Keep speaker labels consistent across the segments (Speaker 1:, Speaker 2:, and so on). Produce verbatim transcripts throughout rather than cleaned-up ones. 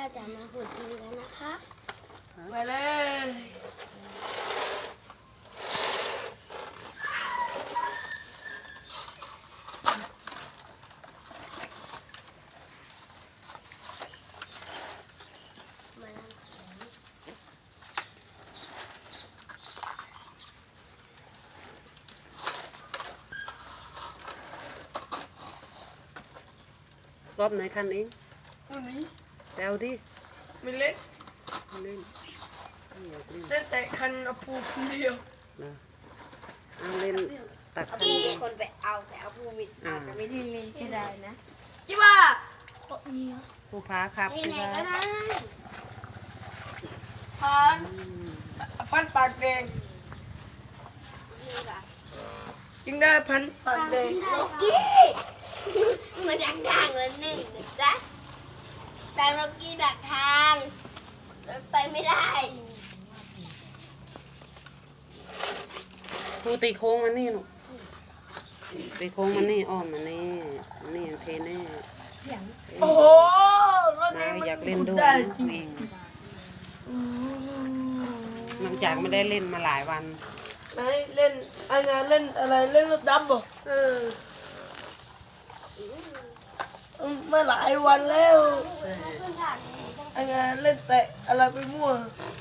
Speaker 1: จะมาขุดดินกันนะคะ
Speaker 2: ไปเลย
Speaker 3: รอบไหนคันเอง
Speaker 2: วันนี้
Speaker 3: แปลวดิ
Speaker 2: ไม่เล่น
Speaker 3: ไม่เล่นไม่อยากเล่น
Speaker 2: เล่นแต่คันเอาปูคนเดียว
Speaker 3: นะเอาเล่นตักคัน
Speaker 1: กี่
Speaker 3: เดียว
Speaker 1: คนไปเอาแต่เอาภูมิอาจจะไม่ได้มีก็ได้นะ
Speaker 2: ยี่ว่า
Speaker 3: ผู้พาครับ
Speaker 1: นี่
Speaker 3: ผู้
Speaker 1: ไหน
Speaker 3: พา
Speaker 1: ก็ได้
Speaker 2: พันพันปากแดง
Speaker 1: นี่ค่ะ
Speaker 2: ยิงได้พันปากแดง
Speaker 1: โลกี้มันดังๆเลยหนึ่งนะจ๊ะแต่โลกี้ดักทางไปไม่ได้
Speaker 3: ผู้ตีโค้งมันนี่หนูตีโค้งมันนี่อ้อมมันนี่มันนี่เทแน่
Speaker 2: โอ้โหรถ
Speaker 3: มา
Speaker 2: นี้มัน
Speaker 3: อยากเล่นด้วย
Speaker 2: ได้
Speaker 3: นะ
Speaker 2: จริง
Speaker 3: เองหลังจากไม่ได้เล่นมาหลายวัน
Speaker 2: ไหนเล่นอะไรเล่นอะไรเล่นรถดำบ่เอออืมมาหลายวันแล้วอะไรเล่นแต่อะไรไปมั่ว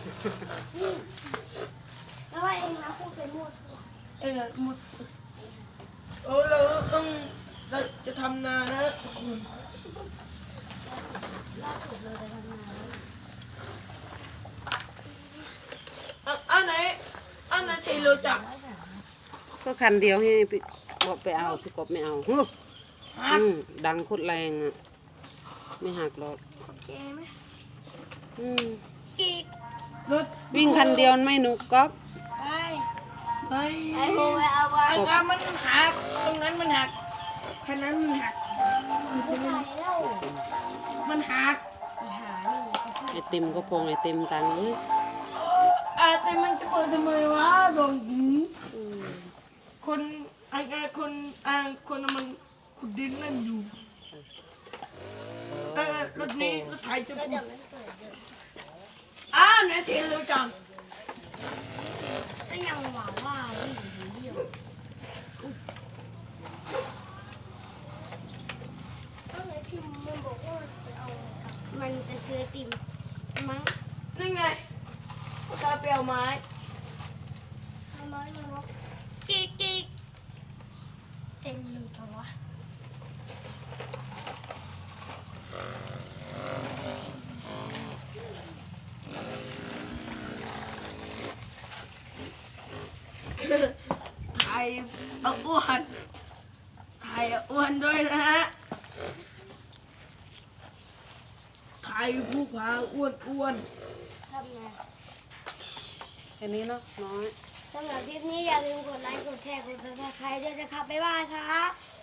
Speaker 1: แล้วว่าเองนะพูดไปหมด
Speaker 2: เอ้ยหมดโอ้เราต้องเราจะทำนานะอ่ะอันไหนอันไหนที่รู้จัก
Speaker 3: ก็คันเดียวให้พี่บอกไปเอาพี่กบไม่เอาฮึ
Speaker 2: หัก
Speaker 3: อืมดังโคตรแรงอ่ะไม่หักหรอก
Speaker 1: โอเคไหม
Speaker 3: อืม
Speaker 1: กีก
Speaker 2: รถ
Speaker 3: วิ่งคันเดียวไม่หนุกก๊อฟ
Speaker 1: ไป
Speaker 2: ไป
Speaker 1: ไอ้โมไปเอาไว้
Speaker 2: ไอ้กามันหักตรงนั้นมันหักคันนั้นมันหัก
Speaker 1: ไม่ใช่แล้ว
Speaker 2: มันหัก
Speaker 1: หานี่
Speaker 3: ไอติมก็พงไอติมตังเอ้ย
Speaker 2: อาแต่มันจะเปิดทำไมวะดวงหูคนไอ้ไอ้คนไอ้คนมันขุดดินนั่นอยู่เออรถนี้รถไถจะ
Speaker 1: ก็
Speaker 2: พู
Speaker 1: จะ
Speaker 2: ด
Speaker 1: ไม่เปิดเดี๋ยว
Speaker 2: อ้าวเนี่ยที่รู้จัก
Speaker 1: ก็ยังหวังว่าไม่อยู่เดียวก็เลยพิมพ์มันบอกว่าจะเอามันไปซื้อติมมั้ง
Speaker 2: นี่ไงตาเปรียวไม้
Speaker 1: ทำไมมันบอกกิ๊กกิ๊กเต็มเลยปะวะ
Speaker 2: ไข่เอาอ้วนไข่เอาอ้วนด้วยนะฮะไข่ผู้พาอ้วนอ้วน
Speaker 1: ทำไง
Speaker 3: แค่นี้เนาะน้อย
Speaker 1: สำหรับคลิปนี้อย่าลืมกดไลค์กดแชร์กดซับสไครต์ด้วยนะครับบ๊ายบายครับ